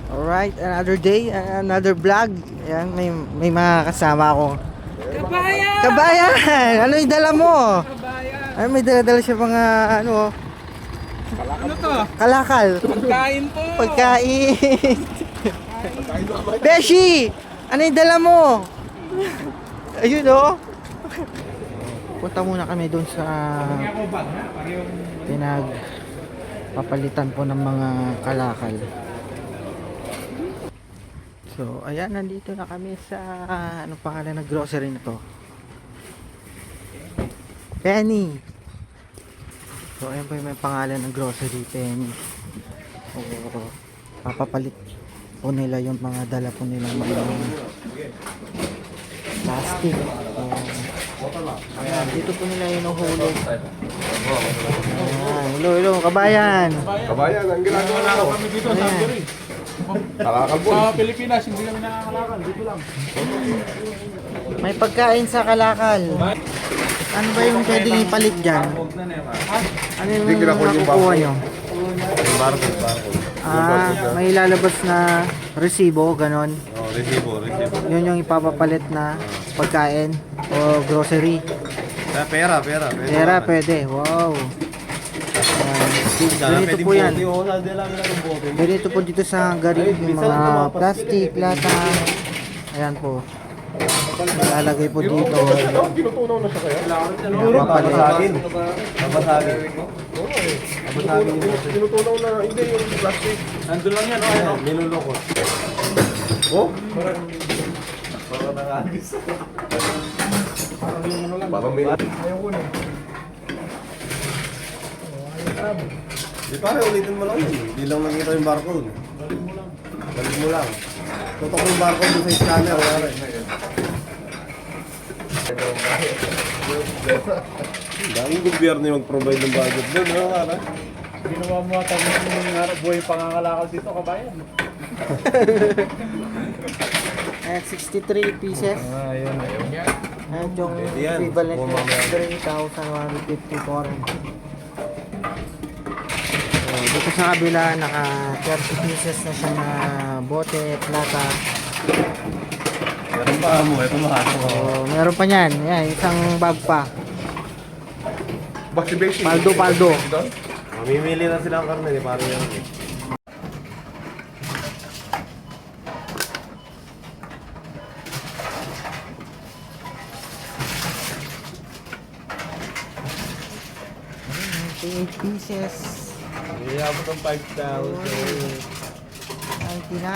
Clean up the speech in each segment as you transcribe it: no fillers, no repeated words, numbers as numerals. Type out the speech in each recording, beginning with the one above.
Alright, another day, another vlog. Ayan, may mga kasama ako. Kabayan! Kabayan! Ano yung dala mo? Kabayan! Ay, may dala-dala siya mga ano, Ano to? kalakal. Pagkain po! Pagkain. Beshi! Ano yung dala mo? Ayun oh. Punta muna kami doon sa pinagpapalitan po ng mga kalakal. So, ayan, nandito na kami sa anong pangalan ng grocery na to? Penny. So, ayan po yung may pangalan ng grocery, Penny. O, papapalit po nila yung mga dala po nilang mga plastic. Ayan, dito po nila yung hulog. Ayan, hello, kabayan. Kabayan, ang ginagawa na kami dito sa Hungary. Kalakal po. Sa Pilipinas, hindi kami nakakalakal. Dito lang. May pagkain sa kalakal. Ano ba yung pwedeng ipalit dyan? Ano yung Hindi kinakul yung nakukuha barcode. nyo? Barcode. May lalabas na resibo, ganon. Oh, resibo. Yun yung ipapapalit na pagkain o grocery. Pera. Pera, pwede. Wow. Ganito po yan. Ganito po dito sa Hungary, yung mga plastic, lata. Ayan po. Ilalagay po dito. Tinutunaw na siya kaya? Papalit. Tinutunaw na, hindi yung plastic. Nandun lang yan, ano? Nilulukot. Oh? Parang nangagis. Parang may... Ayaw ko na. Di pare, ulitin mo lang yun. Hindi lang nakita yung barcode. Balik mo lang. Tutok yung barcode doon sa scanner. Wala rin. Daming gobyerno yung mag-provide ng budget doon. Ano nga? Ginawa mo ata yung buhay pangangalakal dito, kabayan. Ayan, 63 pieces. Ayun. Ayan yung Yan. equivalent Kung ng mamaya. 3,150 foreign. So, dito sa kabila, naka 30 pieces na siya na bote, plata. Meron pa mo. Ito lahat. So, meron pa niyan. Ayan, isang bag pa. Paldo. Mamimili na sila ang karne. Parang yan. Ayan, 8 pieces. Iabot ang 5,000. 99.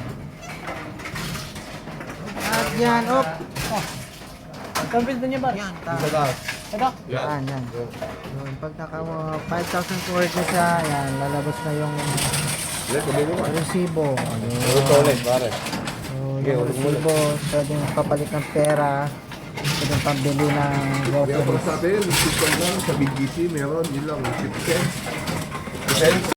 At yan, op. Kampil din niya ba? Yan, Sa taas. Ito? Yan. Yun, pag naka 5,000 worth na siya, yan, lalabas na yung resibo. Ito ulit, pare. So, yung resibo, pwedeng papalit ng pera, pwedeng pambili ng groceries. Sa atin, sa BGC, meron. Yun lang, 50 cents.